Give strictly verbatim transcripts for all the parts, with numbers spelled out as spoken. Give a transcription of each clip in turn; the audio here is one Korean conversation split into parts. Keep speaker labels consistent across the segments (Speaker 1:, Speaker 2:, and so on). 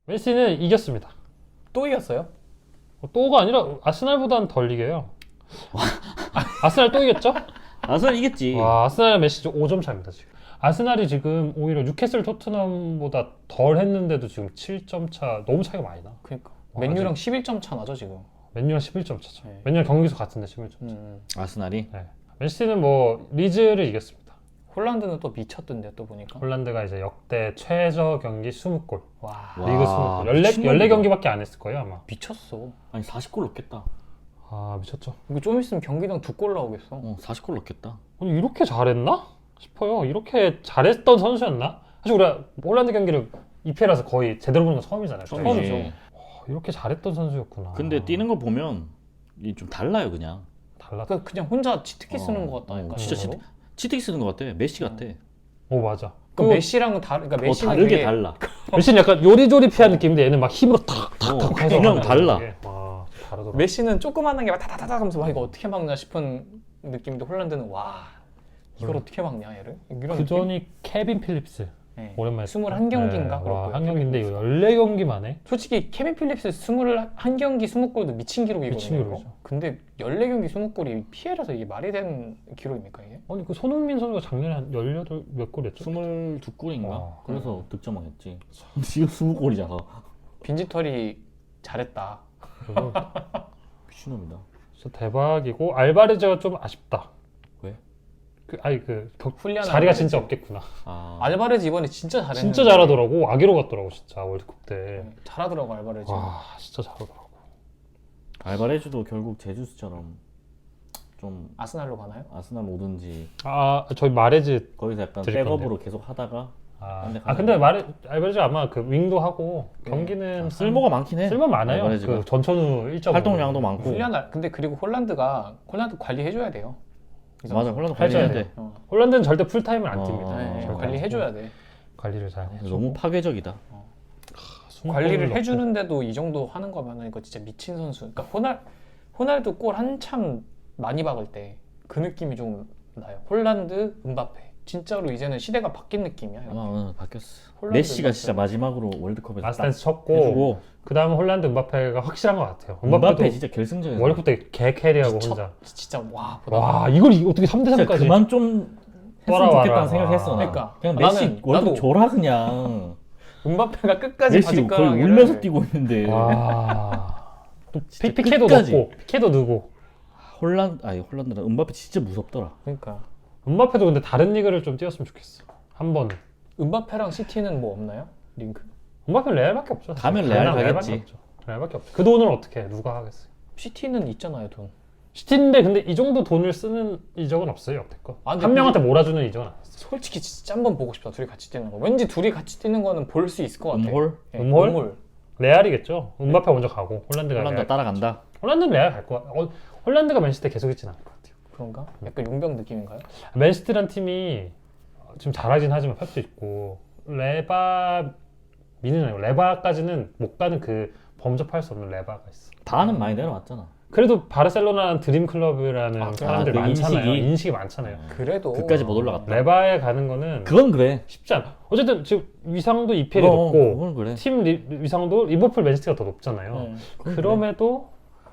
Speaker 1: 맨시티는 이겼습니다.
Speaker 2: 또 이겼어요?
Speaker 1: 어, 또가 아니라 아스날보다는 덜 이겨요. 아스날 또 이겼죠?
Speaker 3: 아스날 이겼지.
Speaker 1: 와, 아스날 맨시티 오 점 차입니다 지금. 아스날이 지금 오히려 뉴캐슬 토트넘보다 덜 했는데도 지금 칠 점 차, 너무 차이가 많이 나.
Speaker 2: 그러니까
Speaker 1: 와,
Speaker 2: 맨유랑 십일 점 차 나죠 지금.
Speaker 1: 맨유랑 십일 점 차죠.
Speaker 2: 네.
Speaker 1: 맨유랑 경기수 같은데 십일 점 차.
Speaker 2: 음.
Speaker 3: 아스날이.
Speaker 1: 네. 맨시티는 뭐 리즈를 이겼습니다.
Speaker 2: 홀란드는 또 미쳤던데 또 보니까.
Speaker 1: 홀란드가 이제 역대 최저 경기 이십 골.
Speaker 2: 와,
Speaker 3: 와.
Speaker 1: 리그 이십 골. 열네,
Speaker 3: 미친놈이다.
Speaker 1: 열네 경기밖에 안 했을 거예요 아마.
Speaker 2: 미쳤어.
Speaker 3: 아니 사십 골 넣겠다.
Speaker 1: 아 미쳤죠.
Speaker 2: 이거 좀 있으면 경기당 두 골 나오겠어.
Speaker 3: 어 사십 골 넣겠다.
Speaker 1: 아니 이렇게 잘했나 싶어요. 이렇게 잘했던 선수였나? 사실 우리가 홀란드 경기를 이피엘에서 거의 제대로 보는 건 처음이잖아요.
Speaker 3: 처음이죠.
Speaker 2: 처음이죠.
Speaker 1: 와, 이렇게 잘했던 선수였구나.
Speaker 3: 근데 뛰는 거 보면 이 좀 달라요 그냥.
Speaker 1: 달랐다.
Speaker 2: 그러니까 그냥 혼자 치트키 쓰는
Speaker 3: 어,
Speaker 2: 것 같다니까.
Speaker 3: 어, 진짜
Speaker 2: 진짜로.
Speaker 3: 치트, 치트키 쓰는 것 같아. 메시 같아.
Speaker 1: 오 맞아.
Speaker 2: 그
Speaker 1: 그
Speaker 2: 메시랑은 다르. 그러니까
Speaker 3: 어,
Speaker 2: 메시는
Speaker 3: 다르게
Speaker 2: 되게
Speaker 3: 달라.
Speaker 1: 메시는 약간 요리조리피한 느낌인데 얘는 막 힘으로 탁탁탁
Speaker 3: 어,
Speaker 1: 해서
Speaker 3: 그냥
Speaker 1: 하는
Speaker 3: 달라.
Speaker 1: 게. 와 다르더라.
Speaker 2: 메시는 조그만한 게 막 타타타타 하면서 와 이거 어떻게 막냐 싶은 느낌인데 홀란드는 와 이걸
Speaker 1: 음.
Speaker 2: 어떻게 막냐 얘를? 이런
Speaker 1: 그 전이 케빈 필립스.
Speaker 2: 네.
Speaker 1: 오랜만에
Speaker 2: 이십일 경기인가
Speaker 1: 네,
Speaker 2: 그럴
Speaker 1: 와,
Speaker 2: 거예요.
Speaker 1: 한 경기인데 이거 열네 경기만 해.
Speaker 2: 솔직히 케빈 필립스 이십일 경기 이십 골도 미친 기록이거든요.
Speaker 1: 미친
Speaker 2: 이거.
Speaker 1: 기록이죠.
Speaker 2: 근데 열네 경기 이십 골이 피엘에서 이게 말이 되는 기록입니까 이게?
Speaker 1: 아니 그 손흥민 선수가 작년에 한 열여덟 몇 골이었죠?
Speaker 3: 스물두 골인가?
Speaker 1: 와.
Speaker 3: 그래서 득점왕 했지. 지금 스무 골이잖아.
Speaker 2: 빈지털이 잘했다.
Speaker 1: 그래서
Speaker 3: 미친놈이다.
Speaker 1: 진짜 대박이고 알바레즈가 좀 아쉽다.
Speaker 3: 왜?
Speaker 1: 그 아니 그 격,
Speaker 2: 훌리안
Speaker 1: 자리가
Speaker 2: 알바레즈.
Speaker 1: 진짜 없겠구나.
Speaker 3: 아
Speaker 2: 알바레즈 이번에 진짜 잘했는데
Speaker 1: 진짜 잘하더라고. 아기로 갔더라고 진짜 월드컵 때.
Speaker 2: 네, 잘하더라고 알바레즈.
Speaker 1: 와 진짜 잘하더라고.
Speaker 3: 알바레즈도 결국 제주스처럼 좀
Speaker 2: 아스날로 가나요?
Speaker 3: 아스날 오든지
Speaker 1: 아 저희 마레즈
Speaker 3: 거기서 약간
Speaker 1: 드릴
Speaker 3: 백업으로 계속 하다가
Speaker 1: 아,
Speaker 3: 근데
Speaker 1: 아 근데 마레 알바레즈 아마 그 윙도 하고
Speaker 2: 네.
Speaker 1: 경기는
Speaker 3: 아, 쓸모가 많긴 해.
Speaker 1: 쓸모 많아요.
Speaker 3: 알바레즈가.
Speaker 1: 그 전천후 일 점
Speaker 3: 활동량도 많고.
Speaker 2: 훌리안 알 근데 그리고 홀란드가 홀란드 관리해줘야 돼요. 이 선수.
Speaker 3: 맞아 홀란드
Speaker 1: 해줘야
Speaker 3: 관리해야
Speaker 1: 돼.
Speaker 3: 돼.
Speaker 2: 어.
Speaker 1: 홀란드는 절대 풀타임을 안
Speaker 3: 어,
Speaker 1: 뜁니다.
Speaker 2: 네,
Speaker 3: 절대
Speaker 2: 관리해줘야 돼.
Speaker 1: 관리를 잘 해.
Speaker 3: 너무 파괴적이다.
Speaker 2: 관리를 해주는데도 이 정도 하는 거면은 이거 진짜 미친 선수. 그러니까 호날 호날두 골 한참 많이 박을 때 그 느낌이 좀 나요. 홀란드, 음바페. 진짜로 이제는 시대가 바뀐 느낌이야. 이렇게.
Speaker 3: 아마 오늘 바뀌었어.
Speaker 2: 홀란드
Speaker 3: 메시가
Speaker 2: 음바페.
Speaker 3: 진짜 마지막으로 월드컵에서 딱
Speaker 1: 라스트댄스 쳤고
Speaker 3: 해주고
Speaker 1: 그 다음 홀란드 음바페가 확실한 것 같아요.
Speaker 3: 음바페
Speaker 1: 음바페도
Speaker 3: 진짜 결승전에서
Speaker 1: 월드컵 때 개 캐리하고
Speaker 2: 미쳐.
Speaker 1: 혼자.
Speaker 2: 진짜 와 보다.
Speaker 1: 와 이걸 이- 어떻게 삼 대
Speaker 3: 진짜
Speaker 1: 삼까지
Speaker 3: 그만 좀 했으면
Speaker 1: 돌아와라.
Speaker 3: 좋겠다는 생각했어 나.
Speaker 2: 그러니까.
Speaker 3: 그냥
Speaker 2: 나는-
Speaker 3: 메시 월드컵
Speaker 2: 나도-
Speaker 3: 줘라 그냥.
Speaker 2: 음바페가 끝까지
Speaker 3: 메시 거의
Speaker 2: 바지가랑이를
Speaker 3: 울면서 뛰고 있는데
Speaker 1: 와. 또
Speaker 3: 진짜
Speaker 1: 피- 피케도
Speaker 3: 끝까지.
Speaker 1: 넣고 피케도 넣고
Speaker 3: 홀란드 아니 홀란드라 음바페 진짜 무섭더라.
Speaker 2: 그러니까
Speaker 1: 음바페도 근데 다른 리그를 좀 뛰었으면 좋겠어. 한 번.
Speaker 2: 음바페랑 시티는 뭐 없나요? 링크?
Speaker 1: 음바페는 레알밖에 없죠. 사실.
Speaker 3: 가면 레알
Speaker 1: 가면 레알밖에
Speaker 3: 가겠지.
Speaker 1: 없죠. 레알밖에 없죠. 그 돈을 어떻게 해? 누가 하겠어요?
Speaker 2: 시티는 있잖아요 돈.
Speaker 1: 시티인데 근데 이 정도 돈을 쓰는 이적은 없어요 여태껏.
Speaker 2: 아, 근데
Speaker 1: 한 명한테 몰아주는 이적은 안 했어.
Speaker 2: 솔직히 진짜 한번 보고 싶다. 둘이 같이 뛰는 거. 왠지 둘이 같이 뛰는 거는 볼 수 있을 것 같아.
Speaker 3: 음홀
Speaker 2: 예,
Speaker 1: 음홀?
Speaker 2: 음홀.
Speaker 1: 레알이겠죠. 음바페 먼저 가고 홀란드가
Speaker 3: 홀란드
Speaker 1: 레알.
Speaker 3: 따라간다.
Speaker 1: 홀란드는 레알 갈 거야. 어, 홀란드가 맨시티 계속 있진 않을 것 같아요.
Speaker 2: 그런가? 약간 용병 느낌인가요?
Speaker 1: 맨시티란 팀이 지금 잘하긴 하지만 펩도 있고 레바 미는 아니고 레바까지는 못 가는 그 범접할 수 없는 레바가 있어.
Speaker 3: 반은 많이 내려왔잖아.
Speaker 1: 그래도 바르셀로나는 드림 클럽이라는
Speaker 2: 아,
Speaker 1: 사람들
Speaker 3: 그
Speaker 1: 많잖아요.
Speaker 3: 인식이.
Speaker 1: 인식이, 많잖아요.
Speaker 2: 그래도
Speaker 3: 그까지 못 올라갔다.
Speaker 1: 레바에 가는 거는
Speaker 3: 그건 그래.
Speaker 1: 쉽지 않아. 어쨌든 지금 위상도 이피엘이
Speaker 3: 어,
Speaker 1: 높고
Speaker 3: 그건 그래.
Speaker 1: 팀 리, 위상도 리버풀 맨시티가 더 높잖아요.
Speaker 2: 네.
Speaker 3: 그건
Speaker 1: 그럼에도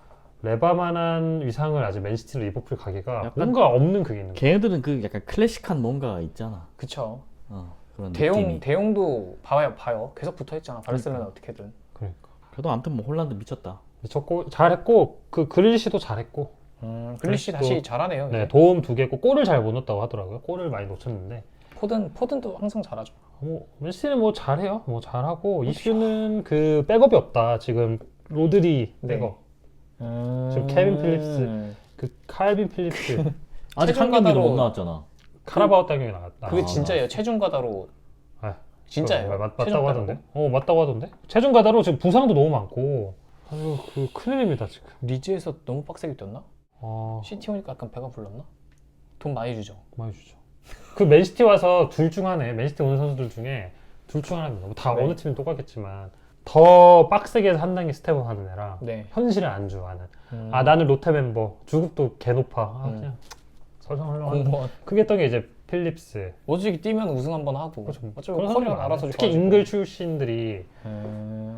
Speaker 1: 레바만한 위상을 아직 맨시티로 리버풀 가기가
Speaker 3: 약간
Speaker 1: 뭔가 없는 그게 있는 거야.
Speaker 3: 걔네들은 그 약간 클래식한 뭔가 있잖아.
Speaker 2: 그쵸.
Speaker 3: 어, 그런
Speaker 2: 대용
Speaker 3: 느낌이.
Speaker 2: 대용도 봐요 봐요. 계속 붙어 있잖아. 바르셀로나 어떻게든.
Speaker 1: 그러니까
Speaker 3: 그래도 아무튼 뭐 홀란드 미쳤다.
Speaker 1: 미쳤고 잘했고 그 그릴리시도 잘했고
Speaker 2: 음, 글리시
Speaker 1: 또-
Speaker 2: 다시 잘하네요. 이제.
Speaker 1: 네, 도움 두 개고 골을 잘 못 넣었다고 하더라고요. 골을 많이 놓쳤는데
Speaker 2: 포든 포든도 항상 잘하죠.
Speaker 1: 뭐 맨시티는 뭐 잘해요. 뭐 잘하고 이슈는 그 백업이 없다. 지금 로드리
Speaker 2: 네.
Speaker 1: 백업,
Speaker 2: 음...
Speaker 1: 지금 케빈 필립스. 그 칼빈 필립스,
Speaker 3: 아직
Speaker 2: 최종
Speaker 3: 한 경기도
Speaker 2: 가다로-
Speaker 3: 못 나왔잖아.
Speaker 1: 카라바오 따경이 나갔다.
Speaker 2: 그게
Speaker 3: 아,
Speaker 2: 진짜예요. 체중 가다로
Speaker 1: 아,
Speaker 2: 진짜예요.
Speaker 1: 그거 맞,
Speaker 2: 체중
Speaker 1: 맞다고
Speaker 2: 가다로.
Speaker 1: 하던데? 어 맞다고 하던데? 체중 가다로 지금 부상도 너무 많고 아유 그 큰일입니다 지금.
Speaker 2: 리즈에서 너무 빡세게 뛰었나?
Speaker 1: 어
Speaker 2: 시티 오니까 약간 배가 불렀나? 돈 많이 주죠.
Speaker 1: 많이 주죠. 그 맨시티 와서 둘 중 하나에 맨시티 오는 선수들 중에 둘 중 하나입니다. 뭐다
Speaker 2: 네.
Speaker 1: 어느 팀은 똑같겠지만 더 빡세게 한 단계 스텝업 하는 애랑
Speaker 2: 네.
Speaker 1: 현실에 안주하는.
Speaker 2: 음.
Speaker 1: 아 나는 롯데 멤버 주급도 개 높아. 아
Speaker 2: 음.
Speaker 1: 그냥 설렁설렁.
Speaker 2: 공무원.
Speaker 1: 그게 했던 게 이제 필립스.
Speaker 2: 어차피 뛰면 우승 한번 하고.
Speaker 1: 그렇죠.
Speaker 2: 어차피
Speaker 1: 그런
Speaker 2: 커리어
Speaker 1: 사람들
Speaker 2: 알아서
Speaker 1: 많아요. 특히
Speaker 2: 좋아지고.
Speaker 1: 잉글 출신들이
Speaker 2: 음...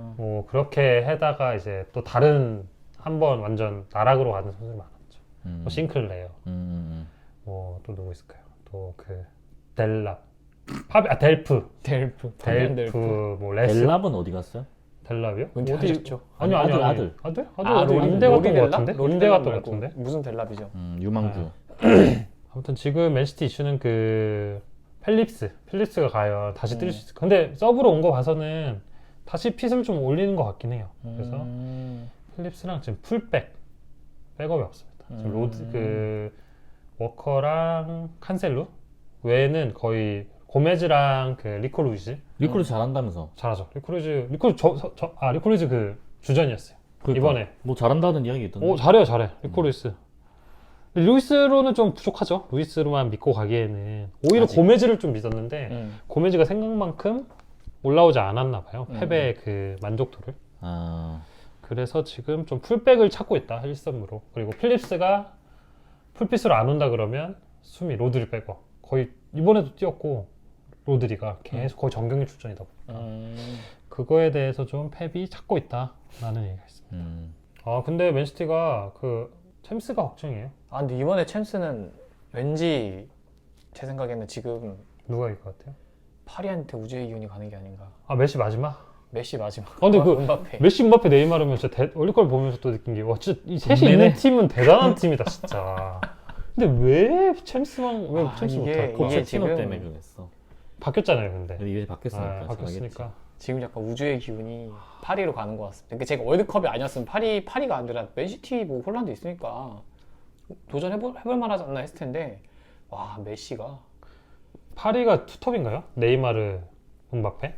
Speaker 1: 뭐 그렇게 해다가 이제 또 다른 한 번 완전 나락으로 가는 선수들 많았죠.
Speaker 3: 음.
Speaker 1: 뭐 싱클레어,
Speaker 3: 음, 음,
Speaker 1: 뭐 또 누구 있을까요? 또 그 델랍, 파비, 아 델프,
Speaker 2: 델프,
Speaker 1: 델프,
Speaker 2: 델프.
Speaker 1: 뭐
Speaker 3: 음.
Speaker 1: 레스,
Speaker 3: 델랍은 어디 갔어요?
Speaker 1: 델랍이요?
Speaker 2: 은퇴하셨죠?
Speaker 1: 아니요, 아니요,
Speaker 3: 아들,
Speaker 1: 아니요.
Speaker 3: 아들.
Speaker 1: 아들, 아들,
Speaker 2: 아,
Speaker 1: 아들
Speaker 2: 로리-
Speaker 1: 임대 갔던
Speaker 2: 로리
Speaker 1: 것
Speaker 2: 델랍?
Speaker 1: 같은데,
Speaker 2: 로리
Speaker 1: 임대
Speaker 2: 델랍
Speaker 1: 갔던 것
Speaker 2: 말고
Speaker 1: 같은데.
Speaker 2: 무슨 델랍이죠?
Speaker 3: 음, 유망주.
Speaker 1: 아무튼 지금 맨시티 이슈는 그 펠립스, 필립스가 과연 다시 뛸
Speaker 2: 음.
Speaker 1: 수 있을까? 근데 서브로 온 거 봐서는 다시 핏을 좀 올리는 것 같긴 해요. 그래서
Speaker 2: 음.
Speaker 1: 필립스랑 지금 풀백, 백업이 없습니다. 지금
Speaker 2: 음.
Speaker 1: 로드 그 워커랑 칸셀루 외에는 거의 고메즈랑 그 리코 루이즈
Speaker 3: 리콜이 잘한다면서.
Speaker 1: 잘하죠. 리코 루이즈, 리코 저, 저, 저, 아 리코 루이즈 그 주전이었어요.
Speaker 3: 그러니까.
Speaker 1: 이번에.
Speaker 3: 뭐 잘한다는 이야기 있던데.
Speaker 1: 오 잘해요, 잘해. 리코 루이스. 근데 루이스로는 좀 부족하죠. 루이스로만 믿고 가기에는 오히려
Speaker 3: 아직.
Speaker 1: 고메즈를 좀 믿었는데
Speaker 2: 음.
Speaker 1: 고메즈가 생각만큼 올라오지 않았나 봐요.
Speaker 2: 음.
Speaker 1: 패배의 그 만족도를.
Speaker 3: 아,
Speaker 1: 그래서 지금 좀 풀백을 찾고 있다. 힐섬으로. 그리고 필립스가 풀핏으로 안 온다 그러면 수미 로드리 빼고 거의 이번에도 뛰었고 로드리가 계속 거의 정경유 출전이다 보니까
Speaker 2: 음.
Speaker 1: 그거에 대해서 좀 펩이 찾고 있다라는 얘기가 있습니다.
Speaker 3: 음.
Speaker 1: 아 근데 맨시티가 그 챔스가 걱정이에요.
Speaker 2: 아 근데 이번에 챔스는 왠지 제 생각에는 지금
Speaker 1: 누가 이길 것 같아요?
Speaker 2: 파리한테 우주의 기운이 가는 게 아닌가.
Speaker 1: 아 메시 마지막?
Speaker 2: 메시 마지막.
Speaker 1: 아, 근데 그
Speaker 2: 은바페.
Speaker 1: 메시, 음바페, 네이마르면 진짜 대, 올리걸 보면서 또 느낀 게 와 진짜 이 셋이
Speaker 3: 동네네.
Speaker 1: 있는 팀은 대단한 팀이다 진짜. 근데 왜 챔스만 왜
Speaker 2: 아,
Speaker 1: 챔스
Speaker 2: 이게-
Speaker 1: 못할까?
Speaker 2: 이게
Speaker 3: 포체티노
Speaker 2: 지금-
Speaker 3: 때문에 그랬어.
Speaker 1: 바뀌었잖아요 근데.
Speaker 3: 근데 이제 바뀌었으니까.
Speaker 1: 아, 바뀌었으니까.
Speaker 2: 지금 약간 우주의 기운이 파리로 가는 것 같습니다. 그러니까 제가 월드컵이 아니었으면 파리 파리가 아니라 맨시티 뭐 홀란드 있으니까 도전해볼 해볼 만하지 않나 했을 텐데 와 메시가
Speaker 1: 파리가 투톱인가요? 네이마르, 음바페?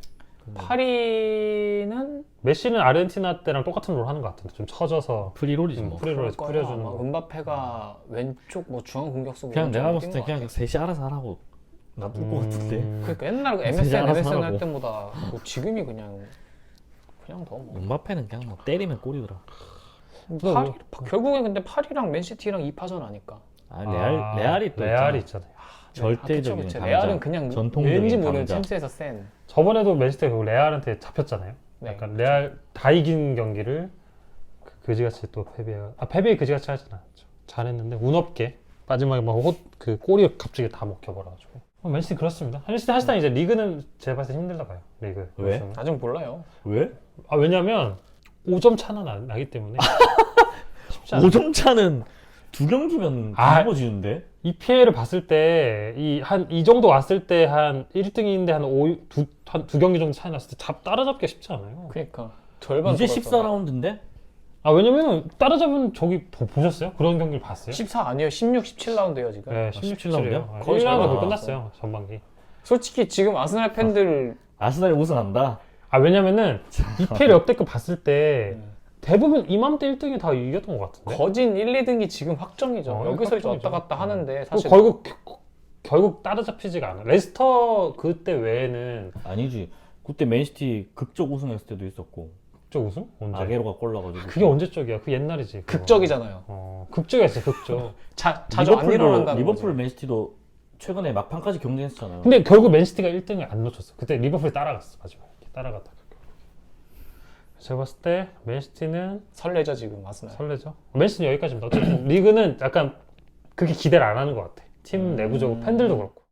Speaker 2: 파리는
Speaker 1: 메시는 아르헨티나 때랑 똑같은 롤 하는 것 같은데 좀 처져서
Speaker 3: 프리롤이지
Speaker 1: 음,
Speaker 3: 뭐.
Speaker 1: 프리롤에서
Speaker 2: 그럴 거야.
Speaker 1: 뿌려주는
Speaker 2: 아마
Speaker 1: 거.
Speaker 2: 음바페가 왼쪽 뭐 중앙 공격수
Speaker 3: 그냥 내가 봤을 때
Speaker 2: 것
Speaker 3: 그냥
Speaker 2: 같아.
Speaker 3: 셋이 알아서 하라고 놔둘 것 같은데.
Speaker 1: 음,
Speaker 2: 그러니까 옛날
Speaker 3: 진짜
Speaker 2: 엠에스엔
Speaker 3: 알아서
Speaker 2: 엠에스엔 할
Speaker 3: 하라고.
Speaker 2: 때보다 뭐 지금이 그냥 그냥 더 뭐.
Speaker 3: 음바페는 그냥 뭐 때리면 골이더라.
Speaker 2: 파리 결국엔 근데 파리랑 맨시티랑 이 파전 아니까.
Speaker 3: 아, 레알
Speaker 1: 아,
Speaker 3: 레알이 또
Speaker 1: 레알이
Speaker 3: 있잖아.
Speaker 1: 있잖아요.
Speaker 3: 절대적인
Speaker 2: 아, 그쵸, 그쵸.
Speaker 3: 강자.
Speaker 2: 레알은 그냥
Speaker 3: 전통적인
Speaker 2: 왠지 모르는
Speaker 3: 강자.
Speaker 2: 챔스에서 센.
Speaker 1: 저번에도 맨시티가 그 레알한테 잡혔잖아요.
Speaker 2: 네,
Speaker 1: 약간 레알 다 이긴 경기를 그 그지같이 또 패배. 아 패배 그지같이 하진 않았죠. 잘했는데 운 없게 마지막에 막그 골이 갑자기 다 먹혀버려가지고. 어, 맨시티 그렇습니다. 맨시티 사실상 이제 리그는 제가 봤을 때 힘들다 봐요. 리그.
Speaker 3: 왜?
Speaker 1: 요즘은.
Speaker 2: 아직 몰라요.
Speaker 3: 왜?
Speaker 1: 아 왜냐면 오 점 차나 나, 나기 때문에 쉽지 않아.
Speaker 3: 오 점 차는 두 경기면
Speaker 1: 아.
Speaker 3: 뒤집어지는데?
Speaker 1: 이피엘을 봤을 때 이 한 이 정도 왔을 때 한 일 등인데 한 오 두 한 두 경기 정도 차이 났을 때 잡 따라잡기가 쉽지 않아요.
Speaker 2: 그러니까 절반
Speaker 3: 이제
Speaker 2: 돌았어.
Speaker 3: 십사 라운드인데?
Speaker 1: 아 왜냐면 따라잡은 저기 보, 보셨어요? 그런 경기를 봤어요?
Speaker 2: 십사 아니에요. 십육, 십칠 라운드예요 지금.
Speaker 1: 네, 십육,
Speaker 3: 십칠 라운드요?
Speaker 1: 십칠이에요.
Speaker 2: 거의
Speaker 1: 일 라운드
Speaker 2: 절반
Speaker 1: 끝났어요 전반기.
Speaker 2: 솔직히 지금 아스날 팬들
Speaker 3: 아스날이 우승한다?
Speaker 1: 아 왜냐면은 이피엘 역대급 봤을 때
Speaker 2: 음.
Speaker 1: 대부분 이맘때 일 등이 다 이겼던 것 같은데.
Speaker 2: 거진 일, 이 등이 지금 확정이죠.
Speaker 1: 어,
Speaker 2: 여기서 이제
Speaker 1: 확정이죠.
Speaker 2: 왔다 갔다 하는데
Speaker 1: 그리고
Speaker 2: 사실
Speaker 1: 결국 결국 따라잡히지가 않아. 레스터 그때 외에는
Speaker 3: 아니지. 그때 맨시티 극적 우승했을 때도 있었고
Speaker 1: 극적 우승? 언제?
Speaker 3: 아게로가 골 넣어가지고.
Speaker 1: 그게 언제적이야? 그 옛날이지. 그거.
Speaker 2: 극적이잖아요.
Speaker 1: 어 극적이었어 극적.
Speaker 2: 자, 자주 안 일어난다는
Speaker 3: 리버풀
Speaker 2: 거지.
Speaker 3: 맨시티도 최근에 막판까지 경쟁했잖아요.
Speaker 1: 근데 결국 맨시티가 일 등을 안 놓쳤어. 그때 리버풀이 따라갔어 마지막에. 따라갔다가. 제가 봤을 때 맨시티는
Speaker 2: 설레죠 지금 아스날.
Speaker 1: 설레죠. 맨시티는 여기까지입니다. 어쨌든 리그는 약간 그렇게 기대를 안 하는 것 같아. 팀
Speaker 2: 음.
Speaker 1: 내부적으로 팬들도 그렇고.